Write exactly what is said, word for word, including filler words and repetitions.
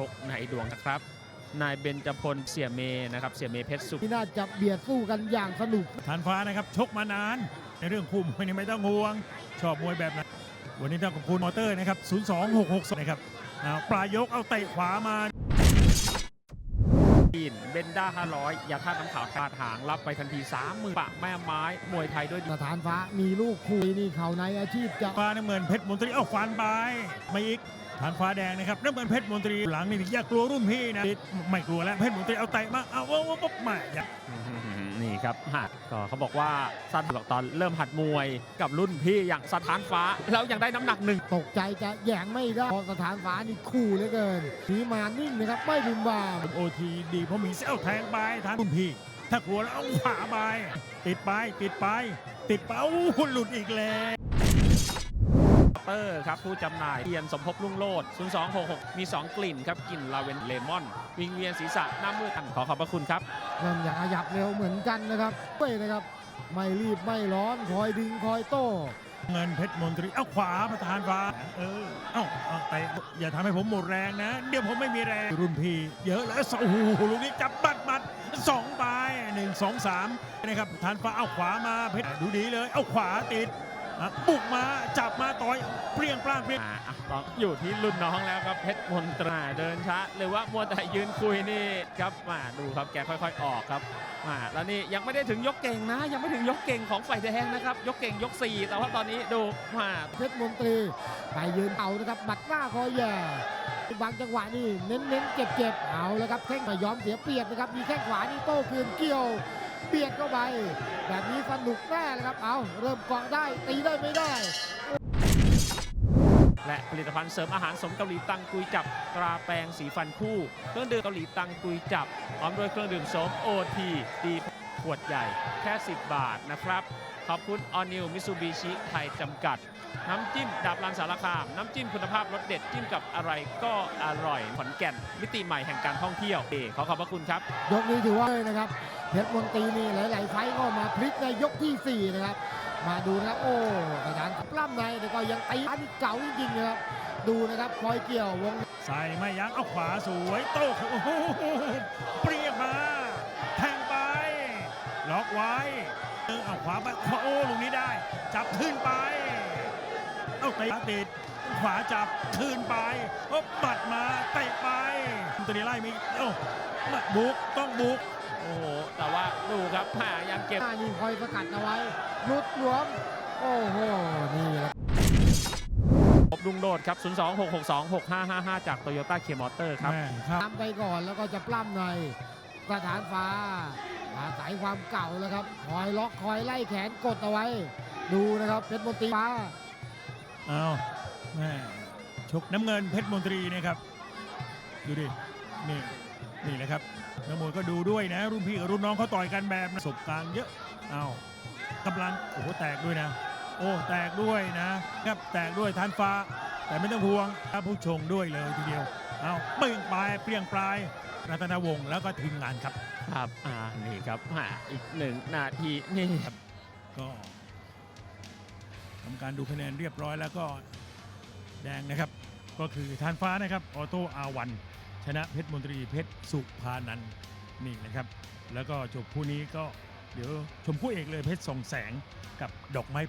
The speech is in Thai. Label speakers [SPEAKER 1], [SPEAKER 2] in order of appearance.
[SPEAKER 1] กในดวงนะครับนายเบญจพลเสี่ยเมนะครับเสี่ยเมเพชรสุข
[SPEAKER 2] ที่น่าจะเบียดสู้กันอย่างสนุก
[SPEAKER 3] ฐานฟ้านะครับชกมานานในเรื่องคู่มวยนี่ไม่ต้องห่วงชอบมวยแบบนั้นวันนี้ต้องขอบคุณมอเตอร์นะครับศูนย์ สอง หก หก สองนะครับปลายยกเอาเตะขวามา
[SPEAKER 1] เบนด้าห้าร้อยยาท่าน้ำขาวขาดหางรับไปทันทีสามหมื่นปะแม่ไม้มวยไทยด้วย
[SPEAKER 2] สถานฟ้ามีลูกคุยนี่เขาในอาชีพจะ
[SPEAKER 3] ฟ้าน้ำเงินเพชรมนตรีเอาฟันไปไม่อีกฐานฟ้าแดงนะครับน้ำเงินเพชรมนตรีหลังนี่อย่ากลัวรุ่นพี่นะไม่กลัวแล้วเพชรมนตรีเอาเตะมาเอาว่าปุ๊บมาอย่า
[SPEAKER 1] นี่ครับหัดก็เขาบอกว่าสถานบอกตอนเริ่มหัดมวยกับรุ่นพี่อย่างสถานฟ้าแล้วยังได้น้ำหนักหนึ่ง
[SPEAKER 2] ตกใจจะแย่งไม่ได้พอสถานฟ้านี่คู่เหลือเกินสีมานิ่งนะครับไม่บุมบาม
[SPEAKER 3] โอทีดีเพราะมีเซลแทงไปฐานรุ่นพี่ถ้ากลัวแล้วเอาขวาไปติดไปติดไปติดไปโอ้หลุดอีกแล้ว
[SPEAKER 1] เตอร์ครับผู้จำหน่ายเทียนสมภพรุ่งโรจน์ศูนย์ สอง หก หกมีสองกลิ่นครับกลิ่นลาเวนเลมอนวิงเวียนศีรษะหน้ามืดขอขอบพระคุณครับ
[SPEAKER 2] เริ่มอยากขยับเร็วเหมือนกันนะครับเป้นะครับไม่รีบไม่ร้อนคอยดึงคอยโต้
[SPEAKER 3] เงินเพชรมนตรีเอาขวาประธานฟ้าเออเอ้าแต่อย่าทำให้ผมหมดแรงนะเดี๋ยวผมไม่มีแรงรุ่นพี่เยอะแล้วโอ้โหลูกนี้จับบัดบัดสองไปหนึ่งสองสามนะครับประธานฟ้าเอาขวามาเพชรดูดีเลยเอาขวาติดบุกมาจับมาต่อยเปรี้ยงปร้างเปรี้ยง
[SPEAKER 1] ต้องอยู่ที่รุ่นน้องแล้วครับเพชรมนตราเดินช้าหรือว่ามัวแต่ยืนคุยนี่ครับมาดูครับแกค่อยๆออกครับมาแล้วนี่ยังไม่ได้ถึงยกเก่งนะยังไม่ถึงยกเก่งของฝ่ายแดงนะครับยกเก่งยกสี่แต่ว่าตอนนี้ดูมา
[SPEAKER 2] เพชรมนตรีไปยืนเอานะครับบัดหน้าคอยแย่บางจังหวะนี่เน้นๆเจ็บๆเอาแล้วครับแข้งไม่ยอมเสียเปรียบนะครับมีแข้งขวานี่โต้คืนเกี่ยวเบียดเข้าไปแบบนี้สนุกแน่เลยครับเอาเริ่มเกาะได้ตีได้ไม่ได้
[SPEAKER 1] และผลิตภัณฑ์เสริมอาหารสมเกาหลีตังกุยจับตราแปรงสีฟันคู่เครื่องดื่มเกาหลีตังกุยจับพร้อมด้วยเครื่องดื่มโสมโอทีดีขวดใหญ่แค่สิบบาทนะครับขอบคุณออนิวมิซูบิชิไทยจำกัดน้ำจิ้มดาบรันสารคามน้ำจิ้มคุณภาพรสเด็ดจิ้มกับอะไรก็อร่อยขอนแก่นมิติใหม่แห่งการท่องเที่ยวเอขอขอบพระคุณครับ
[SPEAKER 2] ยกนี้ถือว่าเลยนะครับเพชรมนตรีนี่หลายๆไฟก็มาพลิกในยกที่สี่นะครับมาดูนะครับโอ้สถานปล้ำในแต่ก็ยังตีอันนี้เก่าจริงๆนะครับดูนะครับคอยเกี่ยววง
[SPEAKER 3] ใส่ไม่ยั้งเอาขวาสวยโต้โอ้โหเปรี้ยงมาแทงไปล็อกไว้เอาขวาไปโอ้ลูกนี้ได้จับขึ้นไปเอาเตะติดขวาจับคืนไปโอ้บัดมาเตะไปตัวนี้ไล่มีโอ้บุกต้องบุก
[SPEAKER 1] โอ้โหแต่ว่าดูครับหายังเก็บ
[SPEAKER 2] นี่คอยสกัดเอาไว้ลุดหลวมโอ้โหนี่แหละ
[SPEAKER 1] พบลุงโดดครับศูนย์ สอง หก หก สอง หก ห้า ห้า ห้าจากโตโยต้าเคียร์มอเตอร์ครับ
[SPEAKER 2] ทำไปก่อนแล้วก็จะปล้ำในสถานฟ้าอาศัยความเก่าแล้วครับคอยล็อกคอยไล่แขนกดเอาไว้ดูนะครับเพชรมนตรีฟ้า
[SPEAKER 3] เอาแม่ชกน้ำเงินเพชรมนตรีนะครับดูดินี่นี่แหละครับนักมวยก็ดูด้วยนะรุ่นพี่กับรุ่นน้องเขาต่อยกันแบบประสบการณ์เยอะเอากำลังโอ้โหแตกด้วยนะโอ้แตกด้วยนะครับแตกด้วยฐานฟ้าแต่ไม่ต้องห่วงครับผู้ชงด้วยเลยทีเดียวเอาเปรี้ยงปลายเปรี้ยงปลายรัตนวงศ์แล้วก็ทีมงานครับ
[SPEAKER 1] ครับอ่านี่ครับอีกหนึ่งนาทีนี่ครับ
[SPEAKER 3] ก็ทำการดูคะแนนเรียบร้อยแล้วก็แดงนะครับก็คือฐานฟ้านะครับออโต้อาวันชนะเพชรมนตรีเพชรสุภานันท์นี่นะครับแล้วก็จบคู่นี้ก็เดี๋ยวชมคู่เอกเลยเพชรส่องแสงกับดอกไม้